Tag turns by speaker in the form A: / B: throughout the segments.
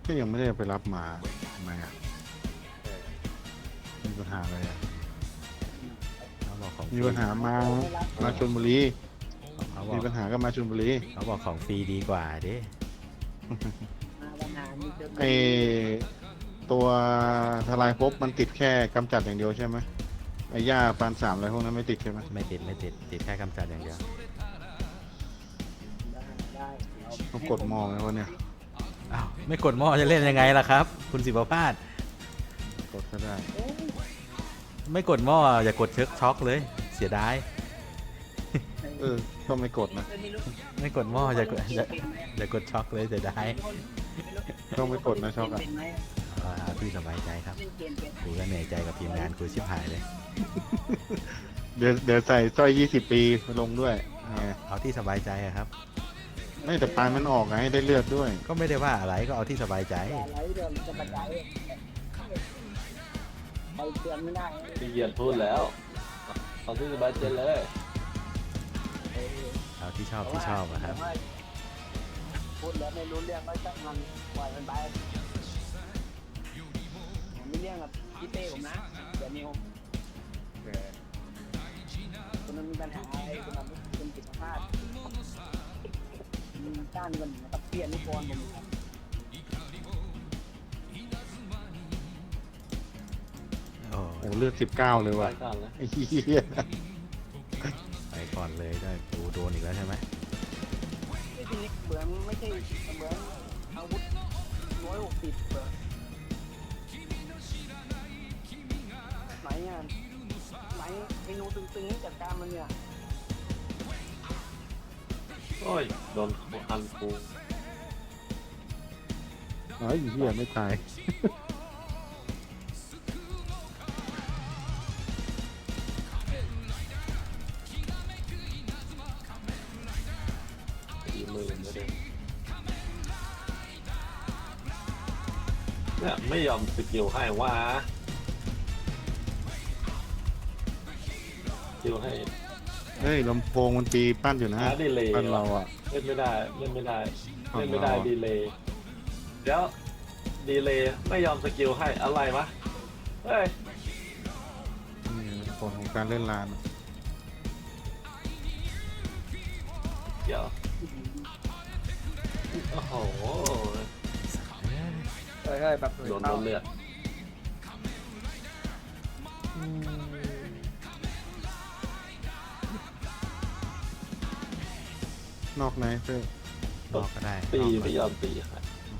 A: ก็ยังไม่ได้ไปรับมาทำไมอ่ะมีปัญหาอะไรอ่ะ
B: เขาบอกของฟ
A: มี
B: รี
A: ปัญหามาชลบุรี
B: เขาบอ
A: มี
B: ก
A: ปัญหาก็มาชลบุรี
B: เขาบอกของฟรีดีกว่าดิ
C: มาปัญหามีเจอ
A: ไอตัวทลายภพมันติดแค่กำจัดอย่างเดียวใช่ไหมไอ้หญ้าปานสามอะไรพวกนั้นไม่ติดใช่ไหม
B: ไม่ติดติดแค่กำจัดอย่างเดียว
C: ได้เดี๋ยว
A: ต้องกดมองไหมวะเนี่ย
B: อ้าวไม่กดหม้อจะเล่นยังไงล่ะครับ คุณศิวพาส
A: กดก็ได้
C: เอ้ย
B: ไม่กดหม้ออย่ากดเช็คช็อกเลย เสียดาย
A: ก็ไม่กดนะ
C: ไม่รู้
B: ไม่กดหม้ออย่ากดช็อกเลยเสียดาย
A: ต้องไม่กดนะช็อกอ่ะ
C: เป็นไหม
B: เอาที่สบายใจครับ
C: เล่นเกมเป็น
B: กูก็เหนื่อยใจกับทีมงานกูชิบหายเลย
A: เดี๋ยวใส่สร้อย20 ปีมาลงด้วยไง
B: เอาที่สบายใจอะครับ
A: ไม่แต่ปานมันออกไงได้เลือดด้วย
B: ก็ไม่ได้ว่าอะไรก็เอาที่สบายใจ
C: อะไรเดิมจะปัจจัยไปเตือนไม่ได้
D: พี่เหยียดพูดแล้วเอาที่สบายใจเลย
B: เอาที่ชอบอะครับ
C: พูดแล้วไม่รู้เรื่องก็ช่างมันปล่อยมันไปผมไม่เรื่องกับพี่เต้ผมนะเดี๋ยวนิวคนนั้นมีปัญหาอะไรคนนั้นเป็นจิตภาพด้านกันกับเปลี่ยนนิพนธ์ผมครับ
B: โอ้
A: โอ้เลือด19เลย
D: ไป
A: ว่ะ
D: ก่อนเลย
A: ไอ้เหี้ย
B: ไปก่อนเลยได้กูโดนอีกแล้วใช่ไหม
C: ไม่ใช่เหมือนไม่ใช่เหมือนอาวุธ160เหมือนไหนอ่ะไหนไอ้นูตึงๆจัดการมันเนี่ย
D: โอ้ยโดนคันกู
A: ไอ้เหี้ยไม่ตาย
D: 40,000ไม่ได้เนี่ยไม่ยอมสกิลให้ว่าสกิลให้
A: เฮ้ยลำโพงมันตีปั้นอยู่นะ
D: หาดีเลย
A: ปั้นเราอ่ะ
D: เล่นไม่ได้เล่นไม่ได้
A: ของ
D: เล่นไม่ได้
A: เราอะ
D: ดีเลยเดี๋ยวดีเลยไม่ยอมสกิลให้อะไรวะเฮ้ย
A: นี่ผลของการเล่นลานอะ
D: เดี๋ยวโอ้โห
C: เฮ้ยแบบ
D: โดนเลือด
A: นอกไหนเพื่อน
B: นอกก็ได้
D: ตี
B: นอก
D: ไม่ยอมตีค่ะ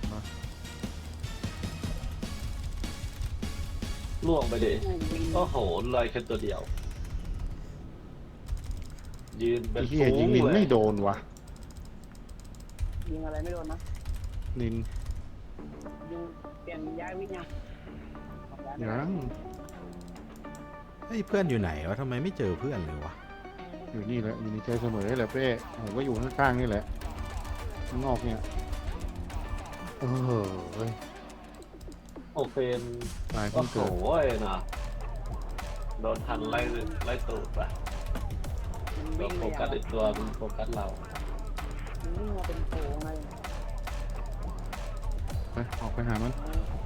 D: ล่วงไปดิโอ้โหลอยแค่ตัวเดียว ยืนเป็
A: ไอ้
D: น
A: เหี้ย
D: ฟู
A: ยิงนิน
D: เล
A: ไม่
D: ย
A: โดนวะ
C: ยิงอะไรไม่โดนนะ
A: นิน
C: ยิงเปลี่ยนย้ายวิทย์ยัง
A: ยัง
B: เฮ้ยเพื่อนอยู่ไหนวะทำไมไม่เจอเพื่อนเลยวะ
A: อยู่นี่แหละอยู่ในใจเสมอแหละเป้ผมก็อยู่ข้างๆนี่แหละข้างนอกเนี่ยเฮ้ย
D: โอเค
A: ตาย
D: โอ้
A: เพิ่ง
D: โห
A: เกิด
D: นะโดนทันไล่ตูดอ่ะ
C: มัน
D: เรา
C: วิ่ง
D: โฟ
C: มา
D: กัสในตัวมันโฟกัสเรา
C: มันวิ่งมาเป็นโผล่ไง
A: ไปออกไปหามัน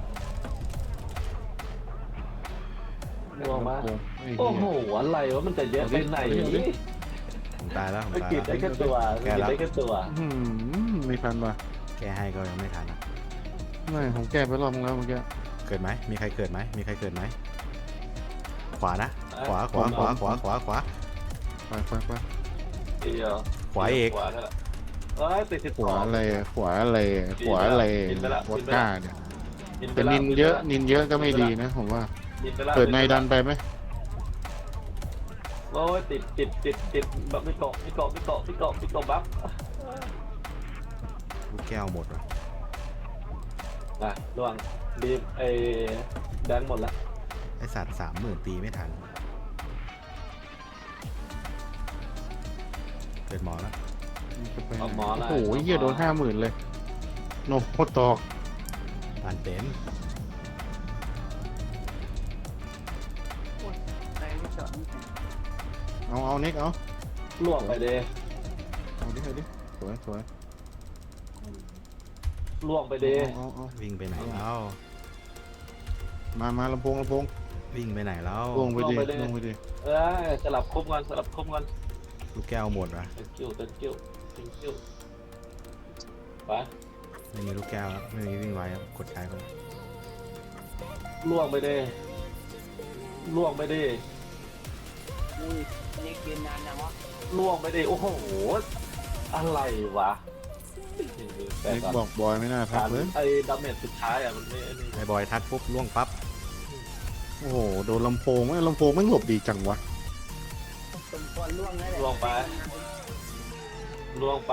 D: ล่วงมา
A: ไอ้
D: โอ้
A: เหี้
D: โห
A: ย
D: อะไรวะมันจะเยอะไปไหน
A: เอาดิ
B: ผมตายแล้วผม
D: ไม่
B: ตาย
D: กินได้
B: แล้ว
D: แค่ตัวไม่กินได้แค่ตัว
A: ไม่ทันว่ะ
B: แก้ให้ก็ยังไม่ทันอะ
A: ไม่ผมแก้ไปรอบนึงแล้วเมื่อกี้
B: เกิดไหมมีใครเกิดไหมมีใครเกิดไหมขวานะขวา
A: ไปไป
D: เดียว
B: ขวาเอก
D: ขวานั่นแหละเอ้ยติด
A: ขวาอะไรขวาอะไรขวาอะไร
D: กินไปละ
A: วอดก้าเนี่ย
D: กิไป
A: แต่
D: ละ
A: นินเยอะนินเยอะก็ไม่ดีนะผมว่า
D: กินไปละ
A: เกิดในดันไปไหม
D: โอ้ยติดแบบไม่เกาะบัฟ
B: ลูกแก้วหมดวะ
D: นะล่วงดีไอ้แดงหมดละ
B: ไอสัตว์30,000ตีไม่ทันเกิดหมอแล้ว
D: เอาหมอละ
A: โอ้โหเหี้ยโดน50,000เลยโนโคตอก
B: ปานเต็ม
C: ในไม่จอด
A: เอาเน็กเอา
D: ล่วงไปเด
A: เอาดิสวย
D: ล่วงไปดิ
A: เอา
B: วิ่งไปไหนแล้ว
A: มาลำโพง
B: วิ่งไปไหนแล้ว
A: ล่วงไปดิล่วงไปดิ
D: เอ้ยสลับคมกันสลับคมกัน
B: ลูกแก้วหมดวะ
D: thank you ไป
B: ไม่มีลูกแก้วครับไม่มีวิ่งไวครับกดใช้ไป
D: ล่วงไปดิล่วงไปดิ
C: นี่นี่กินนานจังวะ
D: ล่วงไปดิโอ้โหอะไรวะแต่
A: เล็ก
D: ก่อน
A: บอกบอยไม่น่าทักเลย
D: ไอ้ดาเมจสุดท้ายอ่ะมันไม่นี่
B: ไอ้บอยทักปุ๊บล่วงปั๊บ
A: โอ้โหโดนลำโพงลำโพงไม่หลบดีจังวะ
C: สมควรล่วงแล้วแหละ
D: ล่วงไปล่วงไป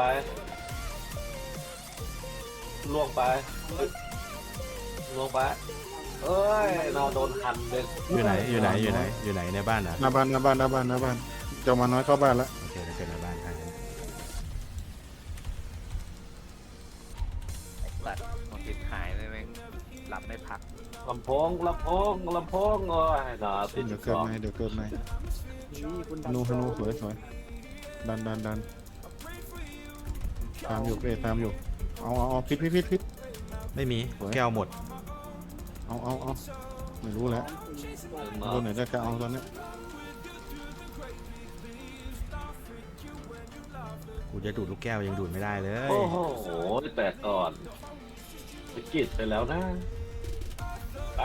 D: ล่วงไปล่วงไปเอ้ยนอนโดนหันเลย
B: อยู่ไหนในบ้านอ่ะ
A: หน้าบ้านเจ้ามาน้อยเข้าบ้านแล้ว
B: โอเคเราเจอในบ้านครับ
E: ตัดของติดหายเลยแม่งหลับไม่พัก
D: ลำโพงโอ้ยน่าติด
A: เดี๋ยว
D: ส
A: เกิด
D: อง
A: ไหมเดี๋ยวเกิดไหม
C: นี่คุณ
A: ธนูสวยดันตามอยู่ตามอยู่เอาพิษ
B: ไม่มี
A: สวย
B: แก้วหมด
A: เอาไม่รู้แล้วตัวไหนได้ก็เอาตอนนี้
B: กูจะดูดลูกแก้วยังดูดไม่ได้เลย
D: โอ้โหแตกก่อนไปกิดไปแล้วนะไป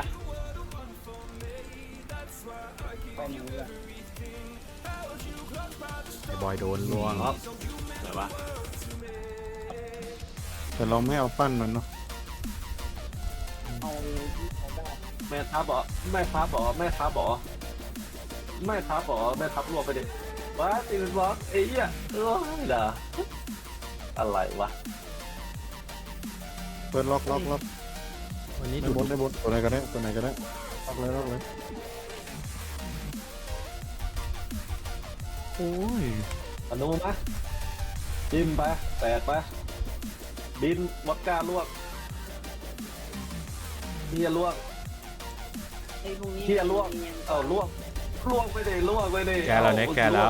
C: ไปหนูละ
B: ไอ้บอยโดนล่วง
D: ครับไหนวะ
A: แต่เราไม่เอาปั้นมันเนาะ
C: เอาได้
D: แม่ทับบอกแม่ทับรวมไปดิว้าตีเป็นบล็อกไอ้เหี้ยเอ้ยด่าอะไรวะ
A: เปิดล็อก
B: วันนี้
A: ได้
B: ดูด
A: บนตัวไหนก็ได้ล็อกเลยโอ้ย
D: อนุมะจิ้มไปแตกไปบินวัดก้าลวกเฮียลวก
C: ไอ้พวกนี้
D: เฮียลวกเอาลวกไปดิลวกไปดิ
B: แกแล้วเนี่ยแกแล้ว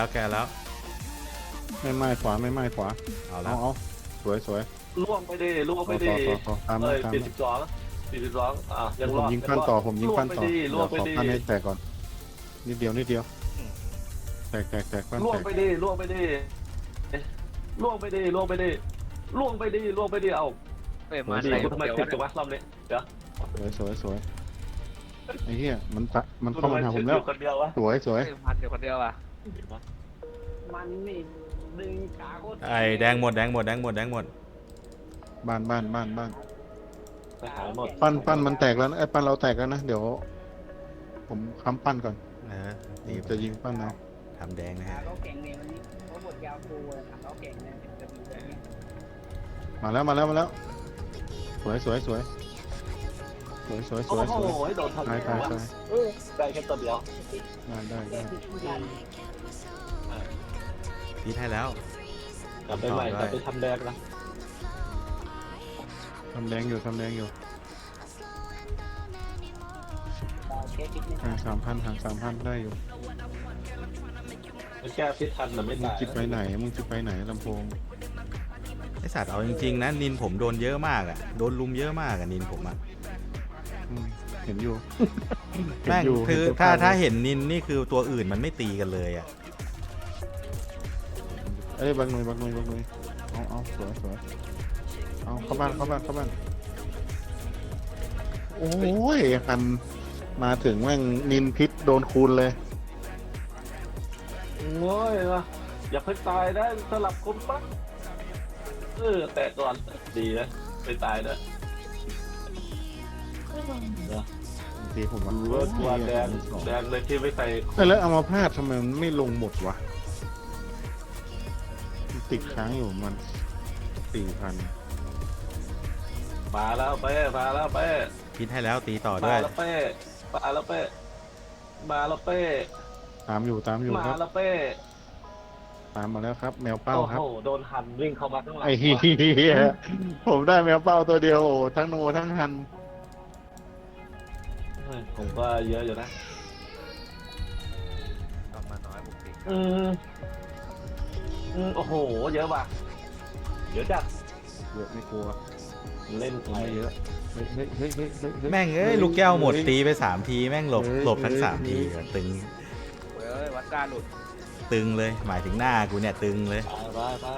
A: ไม่ไม้ขวา
B: เอาแล้ว
A: เอาสวย
D: ลวกไปดิ
A: ต่อตาม
D: เอ้ย
A: ตาม
D: 42อ่ะยัง
A: ผ
D: ร
A: ม
D: อด
A: ยิงปั้นต่อผมยิงปั้นต่อ
D: ลวกไป
A: ขอ
D: ดิ
A: ปั้นให้แตกก่อนนิดเดียวแตกปั้น
D: ลว
A: แต
D: ก
A: ก
D: ไปดิเอา
E: เอ้ย
A: มา
E: มา
A: ดิ
E: ใส่
D: กูทำไม
E: เดี๋ยว
D: ติดจังวะรอบนี้เดี๋ยว
A: สวยไอ้เหี้ยมันเข้ามาหาผมแล้ว
D: คนเดียววะ
A: สวย
E: เอ้ยพันเดี๋ยวคนเดียวอ่ะ
C: มันนี่ดึงขาโคตร
B: ไอ้แดงหมด
A: บ้าน
D: ไปหายหมด
A: ปั้นมันแตกแล้วนะไอ้ปั้นเราแตกแล้วนะเดี๋ยว ผมค้ำปั้นก่อน
B: ดี
A: จะยิงปั้นเอา
B: ทำแดงนะ
C: ขา
B: ฮะ
C: เขาแข็งเนี่ยวันนี้เขาบดยาวฟูเลยขาเขาแข็งเนี่ยจะมีแบบนี้
A: มาแล้ว สวย
D: โอ้โหโดนทำ
A: ตาย
D: ได้แค่ตัวเดียว
A: ได้
B: พีทให้แล้ว
D: กลับไปใหม่กลับไปทำแดงนะ
A: ทำแดงอยู่
C: ดาวเช็คนิดนึง
A: ห่าง3,000ได้อยู่
D: แก้พิษทันแต่ไม่
A: มึง
D: ตาย
A: จิบไปไหนลำโพง
B: ไอสัตว์เอาจริงๆนะนินผมโดนเยอะมากอ่ะโดนลุมเยอะมากอ่ะนินผมอ่ะ
A: เห็นอยู่
B: แม่งคือถ้าเห็นนินนี่คือตัวอื่นมันไม่ตีกันเลยอ่ะ
A: เอ้ยบักหน่วยเอาสวยเอาเข้าบ้านโอ้ยคันมาถึงแม่งนินพิษโดนคูณเลย
D: โง่ยนะอย่าเพิ่งตายนะสลับคนปั๊บแต่ก่อนดีนะไปตายนะ
A: ทีผมว่า
D: รู้ว่าตัวแดงเลยที่ไม่ใส่
A: แล้วเอามาพาดทำไมมันไม่ลงหมดวะมันติดค้างอยู่มัน 4,000
D: มาแล้วเป้
B: พีทให้แล้วตีต่อด้วย
D: มาแล้วเป้
A: ตามอยู่
D: มา
A: ครับ
D: แล้วเป้
A: ตามมาแล้วครับ แมวเป้าครับ
D: โอ้โหโดนหันวิ่งเข้ามาข้างหลัง
A: ไอ้เหี้ยผมได้แมวเป้าตัวเดียวโอ้ทั้งโนทั้งฮัน
D: ผมก็เยอะอยู่นะ
E: ต้องมาน้อยบุกติ
D: โอ้โหเยอะว่ะเยอะจัด
A: เยอะไม่กลัว
D: เล่น
A: ตัวไม่เยอะเฮ้ยเฮ้ยเฮ้ยเฮ้ยเฮ้ยเฮ้ย
B: แม่งเอ้ยลูกแก้วหมดตีไป3 ทีแม่งหลบทั้ง3 ทีตึง
E: เว้ยวัดการหลุด
B: ตึงเลยหมายถึงหน้ากูเนี่ยตึงเลย
D: ไป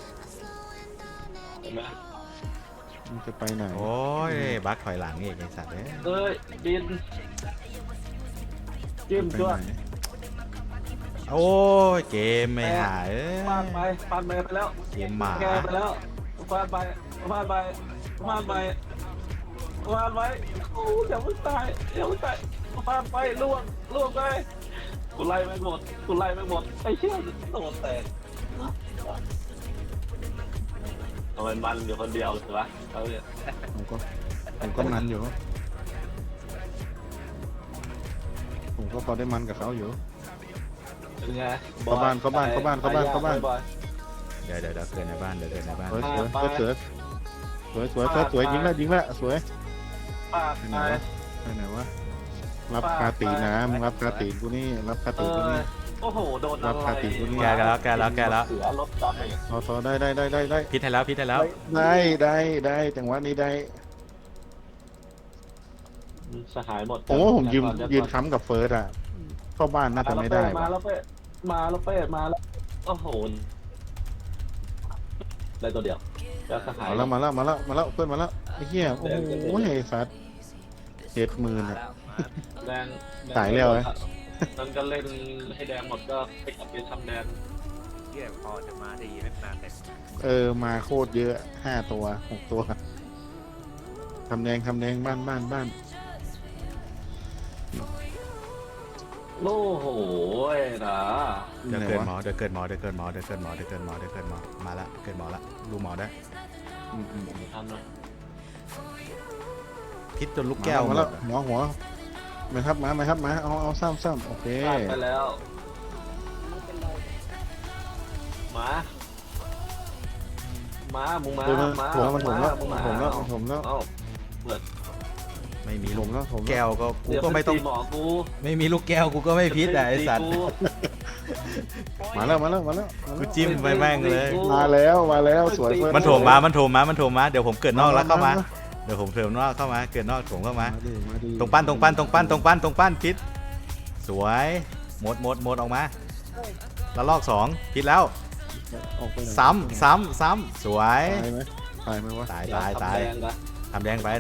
D: เห็นไหม
A: มันจะไปไหน
B: โอ้ยบักถอยหลังอีกไอ้สัตว์เนี่ย
D: เอ้ยดินจิ้ม
A: ไป
D: จ้ว
A: ไหน
B: โอ้ยเกมไม่หายเอ้ย
D: ฟาดไปแล้ว
B: เกมหมา
D: แกไปแล้วฟาดไปโอ้เดี๋ยวมึงตายฟาดไปล่วงไปกูไล่ไม่หมดไอ้เชี่ยโดนแตกทำไมมันอยู่คนเดียวใช่ปะเขาเนี่ย
A: ผมก็มันอยู่ผมก็พอได้มันกับเขาอยู่
D: เป็นไง
A: เข้าบ้าน
B: เดี๋ยวเกินในบ้านเดี๋ยวเกินในบ้าน
A: สวยสวยยิงละสวย
D: ปาก
A: ไป
D: ไป
A: ไหนวะรับคาตีนะมึงรับคาตีกูนี่รับคาตีกูนี่
D: โอ้โหโดนอะไร
A: รับคาติกูนี่
B: แกแล้ว
D: เสือรถจับเอง
A: พอได้
B: พิษให้แล้ว
A: ได้จังหวะนี้ได้
D: สหายหมด
A: ผมว่าผมยืนค้ำกับเฟิร์สอ่ะเข้าบ้านน่าจะไม่ได้
D: มาแล้วเป้มาแล้วโอ้โหได้ตัวเดียวแล้วสหาย
A: มาแล้วเพื่อนมาแล้วไอ้เหี้ยโอ้โหไอ้สัตว์70,000
E: มา
A: อ่ะ
E: แล้วมา
D: แดง
A: ตายแล้วไอ้
D: มันก็เล่นให้แดงหมดก็ไปกลับไปทำแดง
E: เยี่ยพอจะมาดีไม่นานเลย
A: มาโคตรเยอะ5 ตัว 6 ตัวทำแดงบ้าน
D: โอ้โหนะ
B: เดี๋ยวเกินหมอมาละเกินหมอละดูหมอได้
D: ทำนะ
B: พิษจนลูกแก้วหม
A: มา
B: ด
A: แล้ว
B: อะ
A: หัวไม่ครับมาเอาซ้ำโอเค
D: พลาดไปแล้วมึงมา
A: มันถมแล้ว
D: เอ้า
B: ไม่มี
A: ถ
B: ลูก
A: มแล้ว
B: แก้วก็กูก็ไม่ต้อง
D: หมอกู
B: ไม่มีลูกแก้วกูก็ไม่พิษอะไอ้สัตว์
A: มาแล้ว
B: กูจิ้มไปแม่งเลย
A: มาแล้วสวย
B: มันโถมมาเดี๋ยวผมเกิดนอกแล้วเข้ามาเดี๋ยวผมเถิมนอกเข้ามาเกิดนอกโถมเข้ามาตรงปั้นพิษสวยหมดออกมาแล้วลอก2พิษแล้วซ้ำสวย
A: ตายไหมวะ
B: ตายทำแดงไป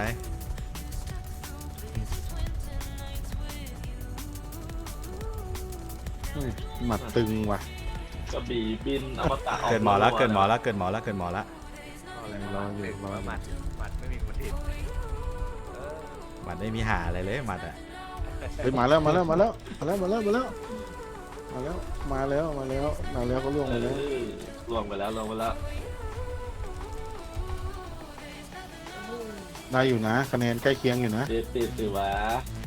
A: หมัดตึงว่ะ
D: กระบี่บินอมตะ
B: เกิดหมอละ
E: รออยู่หมัดไม่มีคนอื่น
B: หมัดไม่มีหาอะไรเลยหมัดอะ
A: เฮ้ยมาแล้วก็ล่วงมาแล้ว
D: ล่วงไปแล้ว
A: ได้อยู่นะคะแนนใกล้เคียงอยู่นะ
D: ติดสิวะ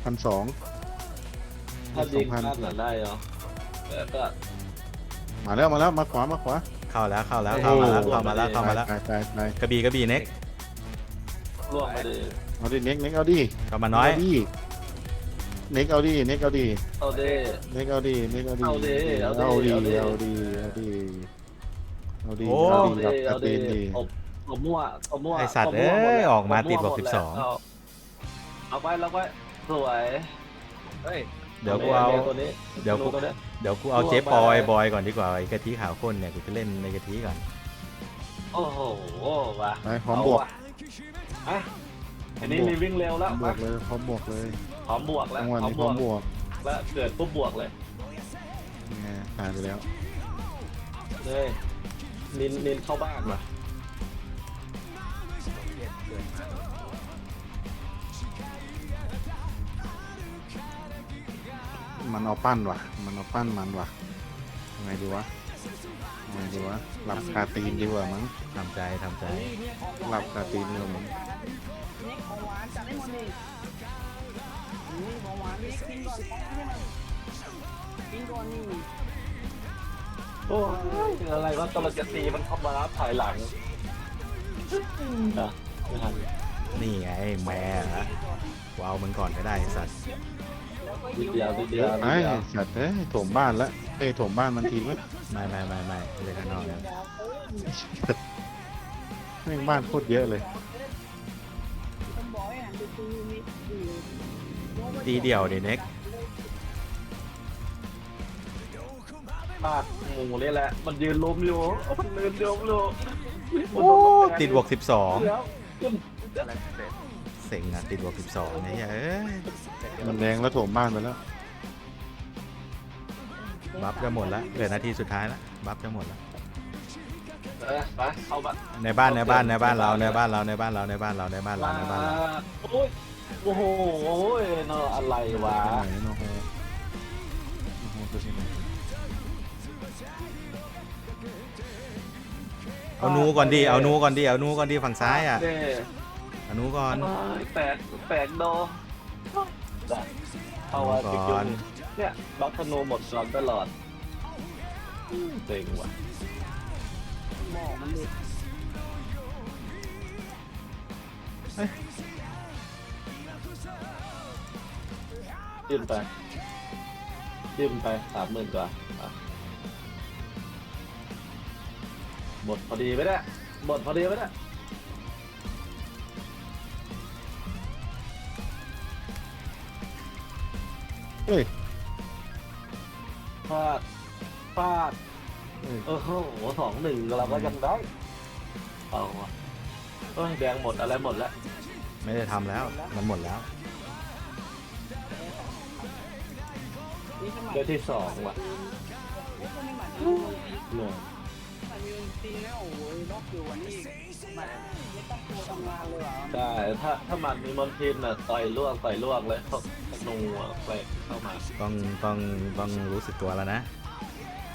A: 1,200
D: ถ้ายิงพลาดหน่ะได้เหรอแต่ก็
A: มาแล้วมาขวา
B: เข้าแล้วเข้ามาแล้ว
A: ตาย
B: กระบี่เน็ก
D: ล่วงไปเลย
A: เอาดิเน็กเอาดิ
B: เข้ามาน้อย
A: เน็กเอาดิ
D: เอาเด้
A: เน็กเอาดิรับตีนดี
D: อบมั่ว
B: ไอสัตว์เอ้ยออกมาติดบอก12
D: เอาไปสวย
E: เฮ้ย
B: เดี๋ยวกูเอา
D: ตัวนี้
B: เดี๋ยวกูเอาเจ๊ปอยบอยก่อนดีกว่าไอ้กะทิขาวข้นเนี่ยกูจะเล่นในกะทิก่อน
D: โอ้โหว่ะ
A: ไปพร้อมบวก
D: อ่ะอันนี้มีวิ่งเร็วแล้ว
A: บวกเลยพร้อมบวกเลย
D: พร้อมบวกแล้ว
A: จังหวะนี้พร้อมบวก
D: แล้วเกิดปุ๊บบวกเลย
A: ตายไปแล้ว
D: เลยนินเข้าบ้านว่ะ
E: เกิดมา
A: มันเอาปั้นว่ะยังไงดีวะหลับคาตีนดีกว่ามั้ง
B: ทำใจ
A: หลับคาตีนดีกว่ามั้ง
C: นี่ของหวานจัดให้หมดเลยนี่ของหวานนี่กินก่อนนี่
D: โอ้ยอะไรวะตอนเราจะตีมันเข้ามาถ่ายหลังไม่ทัน
B: นี่ไงแม่ฮะกูเอามึงก่อนก็ได้ไอ้สัตว์
D: นิดเดียว
A: ไอ้สัตว์โถมบ้านละโถมบ้านมันทีไหม
B: ไม่เลยข้างนอกแล้ว
A: แม่งบ้านโคตรเยอะเลย
C: เ
B: ตีเดี่ยวดิเน็ก
D: ปากหมูนี่แหละ มันยืนล้มอยู่มันยืนล้มอยู่
B: โอ้ติดบวก
D: เดี๋ยวขึ้น
E: อะไรเสร็จ
B: 12เซ็งอะติดบวก 12เนี่ยเอ้ย
A: มันแดงแล้วโถมบ้านไปแล้ว
B: บัฟจะหมดแล้วเหลือนาทีสุดท้ายแล้วบัฟจะหมดแล้ว
D: ไปเข้าบ้าน
B: ในบ้านในบ้านในบ้านเราในบ้านเราในบ้านเราในบ้านเราในบ้านเราในบ้านเรา
D: โอ้ยโอ้โหเนาะอะไรวะ
A: ไปไหนโอ้โหโอ้โหคือที่ไหน
B: เอานูก่อนดิเอานูก่อนดิเอานูก่อนดิฝั่งซ้ายอ่ะ
D: เด้
B: เอานูก่อน
D: แตกโดเอาว่าติดจุ่มเนี่ยบัคธนูหมดก่อนตลอดเต็งว่ะ
C: หมอกมันเด็ก
D: จิ้มไป30,000 กว่าอ่ะหมดพอดีไหมเนี่ยหมดพอดีไหมเนี่ย
A: เฮ้ย
D: ฟาด
A: เฮ้ย
D: โอ้โห2-1เราก็ยังได้เอาว่ะเอ้ยแดงหมดอะไรหมดแล้ว
B: ไม่ได้ทำแล้วมันหมดแล้ว
C: นี่สมัย
D: เดือนที่2ว่ะ
C: นี่คนนี้หมายถึง
D: เหนื่อย
C: มันมีจริงแล้วโอ้ยนอกอยู่วันนี้มันไม่ต้องตัวทำงานเลยเหรอ
D: ใช่ถ้ามันมีมอนทินน่ะต่อยล่วงเลยเขาธนูอ่ะไปเข้ามา
B: ต้องรู้สึกตัวแล้วนะ